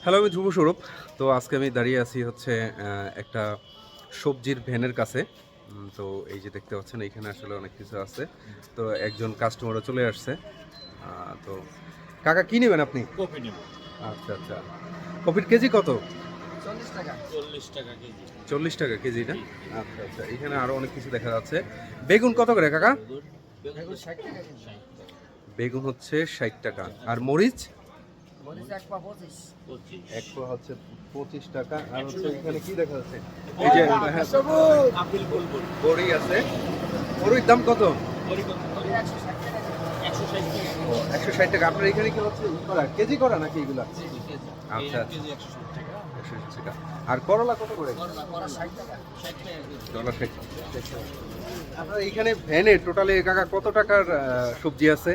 Hello, আমি ধ্রুব স্বরূপ। তো আজকে আমি দাঁড়িয়ে আছি হচ্ছে একটা সবজির ভ্যানের কাছে। তো এই যে দেখতে পাচ্ছেন এইখানে আসলে অনেক কিছু আছে। তো একজন কাস্টমারও চলে আসছে। তো কাকা কি নেবেন আপনি? কপি নেব। আচ্ছা আচ্ছা, কপির কেজি কত? 40 টাকা। 40 টাকা কেজি। 40 টাকা কেজি না? জি, জি। আচ্ছা আচ্ছা, এখানে আরো অনেক কিছু দেখা যাচ্ছে। বেগুন কত করে কাকা? বেগুন 60 টাকা কেজি। 60 টাকা। বেগুন হচ্ছে 60 টাকা। আর মরিচ? মরিচ 1 পা 25। 25 এক পোয়া হচ্ছে 25 টাকা। আর হচ্ছে এখানে কি দেখা যাচ্ছে? এই এই যে যে হ্যাঁ, সবুজ। আপেল গোলগোল। বড়ি আছে। বড়ির দাম কত? বড়ি কত? বড়ি 160 টাকা কেজি। 160 টাকা। 160 টাকা। আপনার এখানে কি হচ্ছে কেজি করা নাকি এগুলা? জি, জি, কেজি। আচ্ছা, এই কেজি 160 টাকা। 160 টাকা। আর করলা কত করে? করলা 60 টাকা। 60 টাকা কেজি। ডলার 60। আপনার এখানে ভ্যানে টোটালে কাকা কত টাকার সবজি আছে?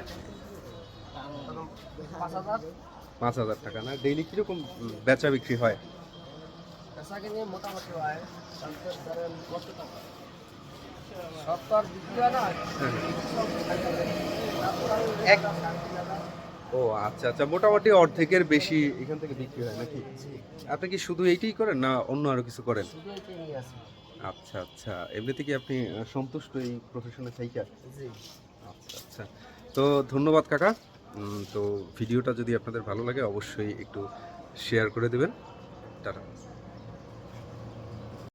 5000। 5,000 টাকা না? ডেইলি কিরকম বেচা বিক্রি হয়? কাঁচা কিনে মোটামুটি হয় 50 ধরেন কত টাকা? 70 বিক্রি হয় না? এক- ও আচ্ছা আচ্ছা, মোটামুটি অর্ধেকের বেশি এখান থেকে বিক্রি হয় নাকি? আপনি কি শুধু এইটাই করেন না অন্য আরো কিছু করেন? শুধু এটাই নিয়ে আসি। আচ্ছা আচ্ছা, এমনিতে কি আপনি সন্তুষ্ট এই প্রফেশনে থাইকা? জি। আচ্ছা আচ্ছা, তো ধন্যবাদ কাকা। তো ভিডিওটা যদি আপনাদের ভালো লাগে অবশ্যই একটু শেয়ার করে দেবেন। টাটা।